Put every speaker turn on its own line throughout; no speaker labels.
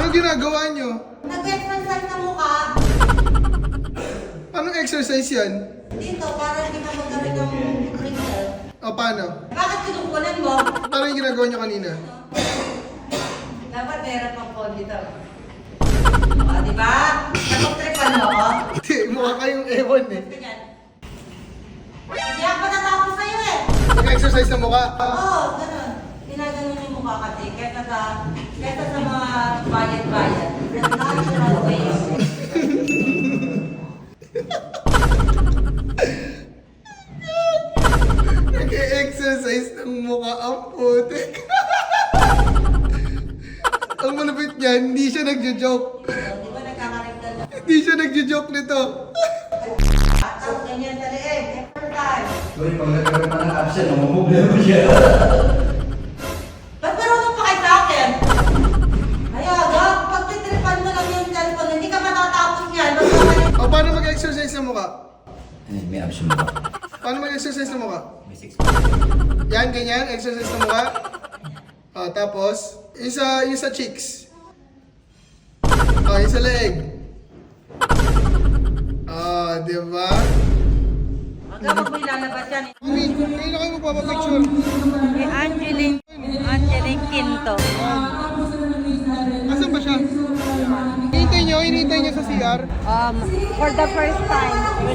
Ano ginagawa nyo?
Nag-exercise sa mukha.
Anong exercise yan?
Dito, para hindi ka magaling ng wrinkle.
O, paano?
Bakit kinukunan mo?
Paano yung ginagawa nyo kanina?
Dapat meron pang phone dito. O, diba? Napag-tripan mo ako?
Hindi, mukha kayong ewan eh.
Ganyan. Hindi ako natatapos sa'yo eh.
Nag-exercise na mukha.
Oo, ganun. Ginaganon yung mukha kasi. Kesa sa mga bayad-bayad. Natural way.
Nag-exercise ng mukha ang putik. Ang malapit niyan, hindi siya nagjo-joke.
Di ba nagkakaregdal na?
Hindi siya nagjo-joke nito.
At ang ganyan sa leeg. Exercise.
Uy, pag nagkaroon pa ng absent, namumblema siya.
Ba't marunong pa kayo sa akin? Ayaga, pag titripan mo lang yung cellphone, hindi ka matatapos niyan.
O, paano mag-exercise ng mukha?
May absent ba?
Paano mag-exercise ng mukha?
May 6
Yan, ganyan, exercise ng mukha. Tapos, yung sa cheeks. Yung sa leeg. Di ba?
Hanggang wag mo ilalabas yan.
Mami, ngayon na kayo magpapapicture.
Kay Angeline Quinto.
Asan ba siya? Hinihintay nyo sa CR.
For the first time.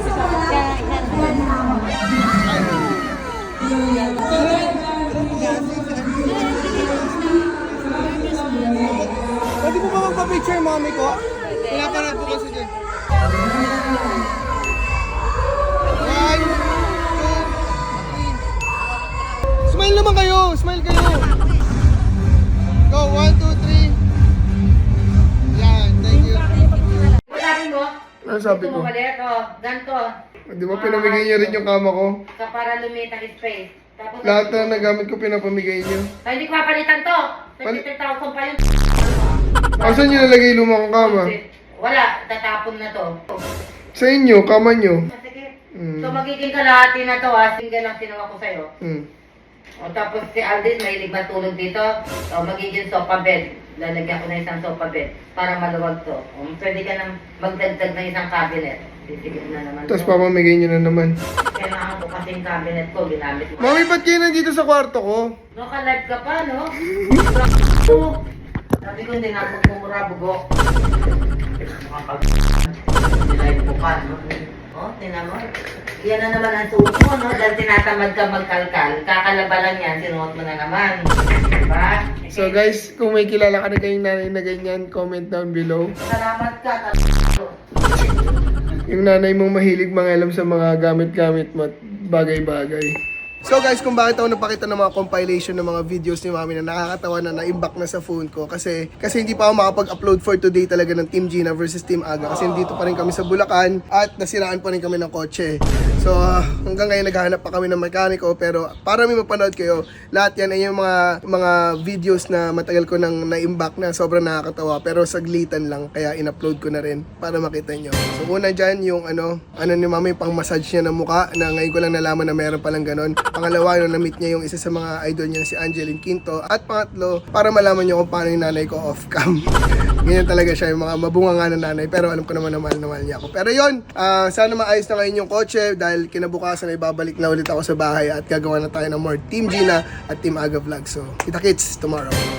Pwede mo ba magpapicture, mami ko? Pinaparad ko kasi dyan. 1, 2, 3. Smile naman kayo! Smile kayo! Go, 1, 2, 3. Yan, thank you.
Sabi mo?
Ano sabi ko?
Bumalik, ganito.
Di ba pinamigay niyo rin yung kama ko?
Sa para lumita space. Tapos,
Lahat na nagamit ko pinapamigay niyo.
ay, hindi ko papalitan to.
Pal-
33,000 pa yun.
Asan niyo nalagay yung lumang kama?
Wala, tatapon na to.
Sa inyo, kama niyo.
Sige.
Mm.
So magiging kalahati na to ha. Single lang sinawa ko sa'yo. O tapos si Aldin, mahilig matulog dito. O magiging sofa bed. Lalagyan ko na isang sofa bed para maluwag to. O pwede ka nang magdagdag na isang cabinet. Titigil na naman
Tapos
to.
papamigay niyo na naman.
Kailangan ko kasi yung cabinet ko, ginamit ko.
Mami, ba't kayo nandito sa kwarto ko?
No, ka-live ka pa, no? Sabi ko, hindi na ako kumura, bugo. Nilive ko pa, no? O, tinan mo. Yan na naman ang suot mo, no? Dahil tinatamad ka magkalkal. Kakalaba lang yan, sinuot mo na naman. Diba?
So guys, kung may kilala ka na kayong nanay na ganyan, comment down below.
Salamat ka,
Yung nanay mong mahilig mangalam sa mga gamit-gamit mo at bagay-bagay. So guys, kung bakit ako napakita ng mga compilation ng mga videos ni Mami na nakakatawa na na-imbak na sa phone ko kasi hindi pa ako makapag-upload for today talaga ng Team Gina versus Team Aga kasi dito pa rin kami sa Bulacan at nasiraan pa rin kami ng kotse. So hanggang ngayon naghahanap pa kami ng mekaniko pero para may mapanood kayo, lahat yan ay yung mga videos na matagal ko nang na-imbak na sobrang nakakatawa pero saglitan lang kaya in-upload ko na rin para makita nyo. So una dyan yung ano ni Mami pang massage niya ng muka na ngayon ko lang nalaman na meron palang ganon. Pangalawa, no, na-meet niya yung isa sa mga idol niya na si Angeline Quinto. At pangatlo, para malaman niyo kung paano yung nanay ko off-cam. Ganyan talaga siya, yung mga mabunga nga na nanay. Pero alam ko naman na mahal niya ako. Pero yon, sana maayos na ngayon yung kotse dahil kinabukasan ay babalik na ulit ako sa bahay at gagawa na tayo ng more Team Gina at Team Aga vlog. So, kita kits tomorrow.